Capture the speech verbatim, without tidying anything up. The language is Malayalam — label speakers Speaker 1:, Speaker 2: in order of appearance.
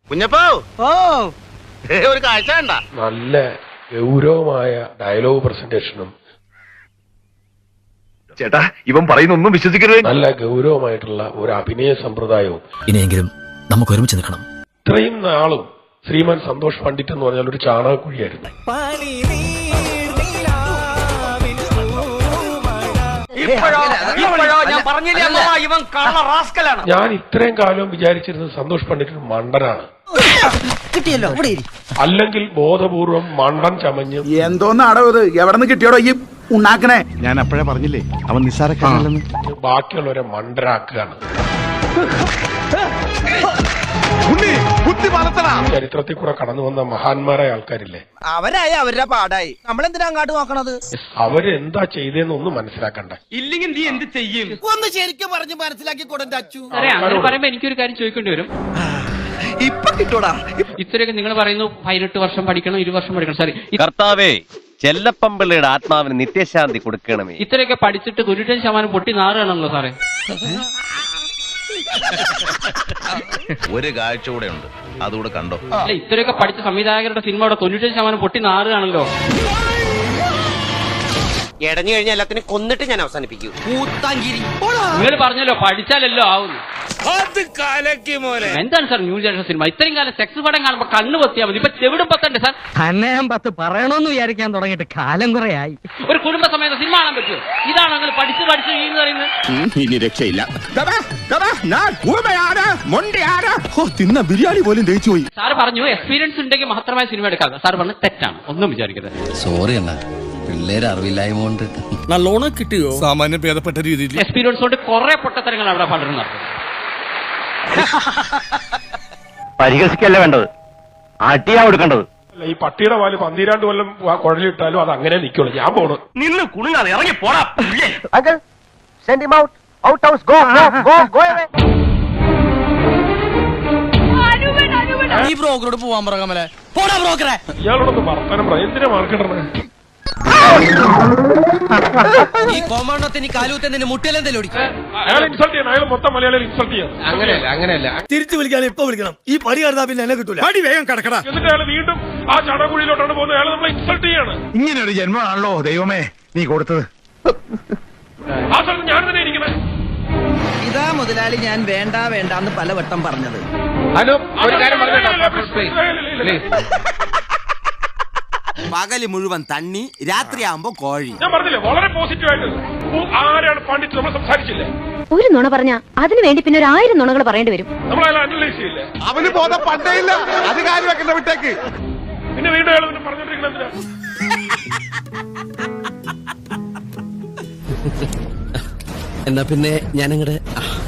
Speaker 1: കുഞ്ഞപ്പോ ഓ ഒരു കാഴ്ച കണ്ട.
Speaker 2: നല്ല ഗൗരവമായ ഡയലോഗ് പ്രസന്റേഷനും
Speaker 3: ചേട്ടാ ഇവൻ പറയുന്നൊന്നും വിശ്വസിക്കരുത്.
Speaker 2: നല്ല ഗൗരവമായിട്ടുള്ള ഒരു അഭിനയ സമ്പ്രദായവും.
Speaker 4: ഇനിയെങ്കിലും നമുക്ക് ഒരുമിച്ച് നിൽക്കണം.
Speaker 2: ഇത്രയും നാളും ശ്രീമാൻ സന്തോഷ് പണ്ഡിറ്റ് എന്ന് പറഞ്ഞാൽ ഒരു ചാണകക്കുഴിയായിരുന്നു. ഞാൻ ഇത്രയും കാലം വിചാരിച്ചിരുന്നത് സന്തോഷ് പണ്ഡിറ്റ് മണ്ടനാണ്, അല്ലെങ്കിൽ ബോധപൂർവം മണ്ടൻ ചമഞ്ഞ്
Speaker 5: എന്തോന്നാടോ ഇത്, എവിടെ നിന്ന് കിട്ടിയോടോ ഈ ഉണ്ടാക്കണേ?
Speaker 3: ഞാൻ അപ്പോഴേ പറഞ്ഞില്ലേ അവൻ നിസ്സാരക്കാരനല്ലെന്ന്.
Speaker 2: ബാക്കിയുള്ളവരെ മണ്ടരാക്കുകയാണ്. ചരിത്രത്തിൽ കൂടെ കടന്നു വന്ന മഹാന്മാരായ ആൾക്കാരില്ലേ,
Speaker 6: അവരായി അവരുടെ പാടായി, നമ്മളെന്തിനാ അങ്ങോട്ട് നോക്കണത്?
Speaker 2: അവരെന്താ ചെയ്തതെന്ന് ഒന്നും മനസ്സിലാക്കണ്ട.
Speaker 6: ഇല്ലെങ്കിൽ നീ എന്ത് ചെയ്യും? ഒന്ന് ശരിക്കും പറഞ്ഞ് മനസ്സിലാക്കി കൊടുത്ത അച്ചു.
Speaker 7: അങ്ങനെ പറയുമ്പോ എനിക്കൊരു കാര്യം ചോദിക്കേണ്ടി വരും.
Speaker 6: ഇപ്പൊ കിട്ടൂടാ.
Speaker 7: ഇത്രയൊക്കെ നിങ്ങൾ പറയുന്നു പതിനെട്ട് വർഷം പഠിക്കണം, ഇരു വർഷം പഠിക്കണം. സോറി,
Speaker 8: കർത്താവേ ചെല്ലപ്പമ്പിള്ളയുടെ ആത്മാവിന് നിത്യശാന്തി കൊടുക്കണമേ.
Speaker 7: ഇത്രയൊക്കെ പഠിച്ചിട്ട് തൊണ്ണൂറ്റഞ്ച് ശതമാനം പൊട്ടി നാറുകയാണല്ലോ സാറേ.
Speaker 1: ഒരു കാഴ്ച കൂടെ ഉണ്ട്, അതുകൂടെ കണ്ടോ.
Speaker 7: അല്ല, ഇത്രയൊക്കെ പഠിച്ച സംവിധായകരുടെ സിനിമയുടെ തൊണ്ണൂറ്റഞ്ച് ശതമാനം പൊട്ടി നാറുകയാണല്ലോ.
Speaker 6: എടഞ്ഞു കഴിഞ്ഞാൽ എല്ലാത്തിനും കൊന്നിട്ട് ഞാൻ അവസാനിപ്പിക്കൂ.
Speaker 7: നിങ്ങൾ പറഞ്ഞല്ലോ പഠിച്ചാലല്ലോ ആവുന്നു. എന്താണ് സാർ ന്യൂ ജനറേഷൻ സിനിമ? ഇത്രയും കാലം സെക്സ് പടം കാണുമ്പോ കണ്ണു പൊത്തിയാൽ മതി, ഇപ്പൊ ചെവിടും പത്തണ്ട് സാർ.
Speaker 9: തന്നെ ഞാൻ പത്ത് പറയണമെന്ന് വിചാരിക്കാൻ തുടങ്ങിയിട്ട് കാലം കുറെ ആയി.
Speaker 7: ഒരു കുടുംബ സമയത്ത് സിനിമ കാണാൻ പറ്റുമോ? ഇതാണ് നിങ്ങൾ പഠിച്ച് പഠിച്ച് എന്ന് പറയുന്നത്.
Speaker 3: ഇനി രക്ഷയില്ല. തിന്ന ബിരിയാണി പോലും ദഹിച്ചു പോയി.
Speaker 7: സാർ പറഞ്ഞു എക്സ്പീരിയൻസ് ഉണ്ടെങ്കിൽ മാത്രമായ സിനിമ എടുക്കാം. സാർ പറഞ്ഞു തെറ്റാണ്, ഒന്നും വിചാരിക്കരുത്.
Speaker 4: സോറി അണ്ണാ, പിള്ളേര് അറിവില്ലായ്മ കൊണ്ട്.
Speaker 6: നല്ലോണം കിട്ടിയോ?
Speaker 3: സാമാന്യം ഭേദപ്പെട്ട രീതിയിൽ
Speaker 7: എക്സ്പീരിയൻസ് കൊണ്ട് കുറെ പൊട്ടത്തരങ്ങൾ അവിടെ പലരും നടത്തും.
Speaker 8: പരിഹസിക്കല്ല വേണ്ടത്, അടിയാ കൊടുക്കേണ്ടത്.
Speaker 2: ഈ പട്ടിയുടെ പാല് പന്തിരാണ്ട് കൊല്ലം കുഴലിട്ടാലും അത് അങ്ങനെ നിൽക്കുള്ളൂ. ഞാൻ പോണു.
Speaker 8: നിന്ന് കുണുങ്ങാതെ ഇറങ്ങി പോടാ.
Speaker 6: ഈ ബ്രോക്കറോട് പോവാൻ പറ കമലെ. പോടാ ബ്രോക്കറെ.
Speaker 2: ഇയാളോടൊന്ന് വർത്തമാനം പറയാം. എന്തിനാ മാർക്കിടണേ?
Speaker 6: ഈ കോമാണ്ടത്തിന് കാലൂത്തന്നെ മുട്ടിലെന്തെങ്കിലും ഓടിക്കും.
Speaker 2: അയാൾ ഇൻസൾട്ട് ചെയ്യണം, അയാൾ മൊത്തം മലയാളികൾ ഇൻസൾട്ട് ചെയ്യണം.
Speaker 7: അങ്ങനെയല്ല അങ്ങനെയല്ല
Speaker 6: തിരിച്ചു വിളിക്കാൻ ഇപ്പൊ വിളിക്കണം. ഈ പടി കടന്നാ പിന്നെ എന്നെ കിട്ടൂല. പടി വേഗം കടക്കടാ.
Speaker 2: എന്നിട്ട് അയാൾ വീണ്ടും ആ ചടകുഴിയിലോട്ടാണ് പോകുന്നത്. അയാൾ നമ്മളെ ഇൻസൾട്ട് ചെയ്യാണ്.
Speaker 3: ഇങ്ങനെ ഒരു ജന്മമാണല്ലോ ദൈവമേ നീ കൊടുത്തത്.
Speaker 2: ആ സ്ഥലത്ത് ഞാൻ തന്നെ ഇരിക്കണേ.
Speaker 6: ഇതാ മുതലാളി ഞാൻ വേണ്ട വേണ്ടാന്ന് പലവട്ടം പറഞ്ഞത്. പകല് മുഴുവൻ തണ്ണി, രാത്രിയാകുമ്പോ കോഴി.
Speaker 2: ഞാൻ പറഞ്ഞില്ലേ വളരെ പോസിറ്റീവ് ആയിട്ട്. ആരാണ് പണ്ഡിറ്റ് നമ്മൾ സംസാരിച്ചില്ലേ?
Speaker 10: ഒരു നുണ പറഞ്ഞ അതിനു വേണ്ടി പിന്നെ ഒരു ആയിരം നുണകൾ പറയേണ്ടി വരും.
Speaker 2: നമ്മൾ അയാൾ അനലൈസ് ചെയ്യില്ലേ?
Speaker 3: അവന് ബോധം പണ്ടേ ഇല്ല, അത് കാര്യം വെക്കുന്ന വിട്ടേക്ക്.
Speaker 2: പിന്നെ വീണ്ടും അയാൾ പിന്നെ പറഞ്ഞോണ്ടിരിക്കണം എന്തിനാ?
Speaker 6: എന്നാ പിന്നെ ഞാനങ്ങടെ